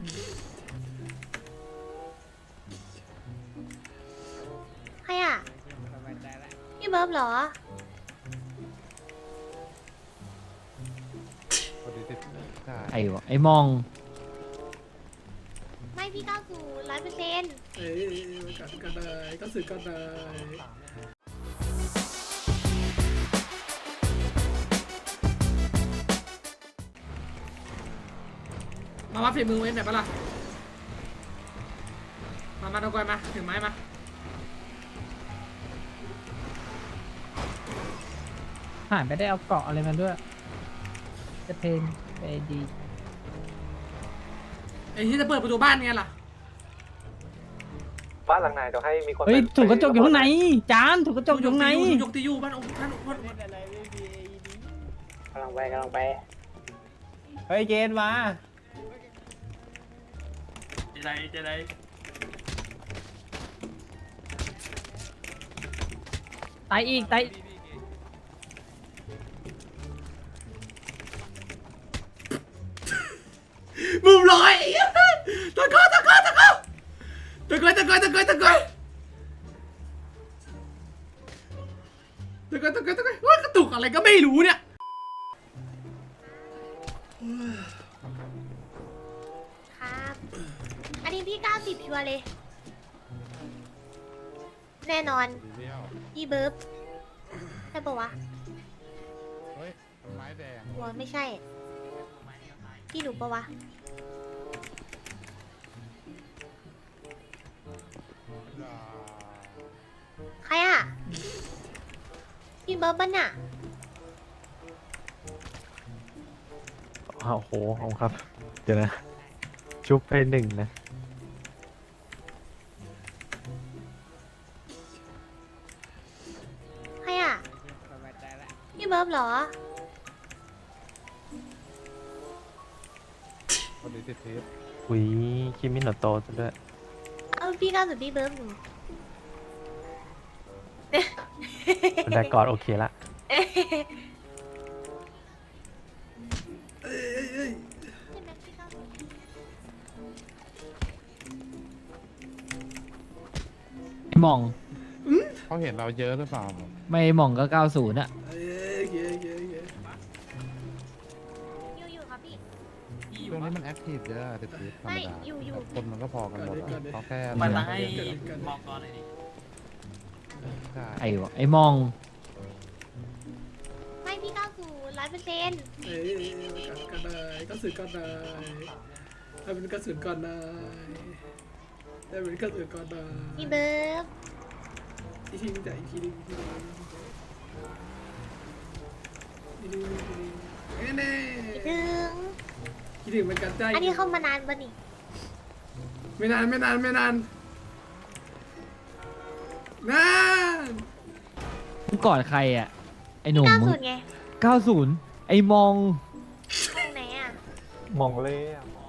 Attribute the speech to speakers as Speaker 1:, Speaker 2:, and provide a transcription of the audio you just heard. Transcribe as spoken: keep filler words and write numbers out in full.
Speaker 1: ใครอ่ะพี่เบิร์บเหรอ
Speaker 2: ไอ้วะไอ้มอง
Speaker 1: ไม่พี่ก้าวสู่ร้อยเปอร์เซ็นต์
Speaker 3: เอ้ยกันกันได้ก็สื่อกันได้มาวัดฝีมือเว้นแบบปะล่ะมามาตะกอยมาถึงไม้มา
Speaker 4: หายไม่ได้เอาเกาะอะไรมาด้วย จะเพนไปดี
Speaker 3: ไอ้ที่จะเปิดประตูบ้านไงล่ะ
Speaker 5: บ้านหลังไหนเดี๋ยวให้มีคน
Speaker 4: เฮ้ยถูกกระจกอยู่ข้างในจานถูกกระจกอยู่ข้างใน
Speaker 3: ยกตีอยู่บ้านองค์ท่านองค์ท่าน
Speaker 5: กำลังไปกำลังไป
Speaker 4: เฮ้ยเจนมา
Speaker 3: เจไรเจไร
Speaker 4: ตายอีกตาย
Speaker 3: มุมลอยตะโกนตะโกนตะโกนตะโกนตะโกนตะโกนตะโกนตะโกนตะโกนตะโกนว่ากระตุกอะไรก็ไม่รู้เนี่ย
Speaker 1: ครับอันนี้พี่เก้าสิบชัวร์เลย แน่นอนพี่เบิร์บใช่ปะวะ
Speaker 2: เฮ้ยไม้แดง
Speaker 1: หัวไม่ใช่ พี่หนูปะวะ ใครอ่ะ พี่เบิร์บบ้านน่ะ
Speaker 5: อ้าวโหเอาครับ เดี๋ยวนะ ชุบไปหนึ่งนะ
Speaker 1: ใครอ่ะ พี่เบิร์บเหรอ
Speaker 5: อุ้ยคิมิโนโตะซะด้วย
Speaker 1: เอาพี่ก้าวสู่พี่เบิร์บหนู
Speaker 5: บรรยากาศโอเคละ
Speaker 2: ไอ้มอง
Speaker 6: เขาเห็นเราเยอะหรือเปล่า
Speaker 2: ไม่มองก็เก้าศูนย์อะ
Speaker 3: เอ้ยเย้เย้เย้
Speaker 1: อยู่อยู่ครับพี่
Speaker 6: ช่วงนี้มันแอคทีฟเยอะติดติดธรรม
Speaker 1: ไม่
Speaker 6: ดา
Speaker 1: อยู่อยู่
Speaker 6: แต่คนมันก็พอกันหมดอะเขาแค่
Speaker 3: มาไล่
Speaker 6: มองก่อนเลยดิใช่
Speaker 2: ไอ้วะไอ้มอง
Speaker 1: ไม่พี่ก้าวสู่ร้อยเปอร์เซ็นต์
Speaker 3: เอ้ยกันกันได้ก็สื่อกันได้ให้เป็นกระสุนก่อนได้ให้เป็นกระสุนก่อนได้
Speaker 1: พี่เบิร์บ
Speaker 3: อีกทีนึงแต่อีกทีนึงอีกทีนึงอีกทีนึงอีกทีนึงแน่
Speaker 1: ถึง
Speaker 3: ๆคิดถึงเหมือนกันใจ
Speaker 1: อันนี้เข้ามานานปะนี่
Speaker 3: ไม่นานไม่นานไม่นานนาน
Speaker 2: มึงกอดใครอะไอ้ห
Speaker 1: พี่
Speaker 2: นุ่ม
Speaker 1: ก้าว
Speaker 2: มึง
Speaker 1: สุดไง
Speaker 2: เก้าศูนย์ไอ้มอง
Speaker 1: ตรงไหนอ่ะ
Speaker 5: มองเลยอะมอง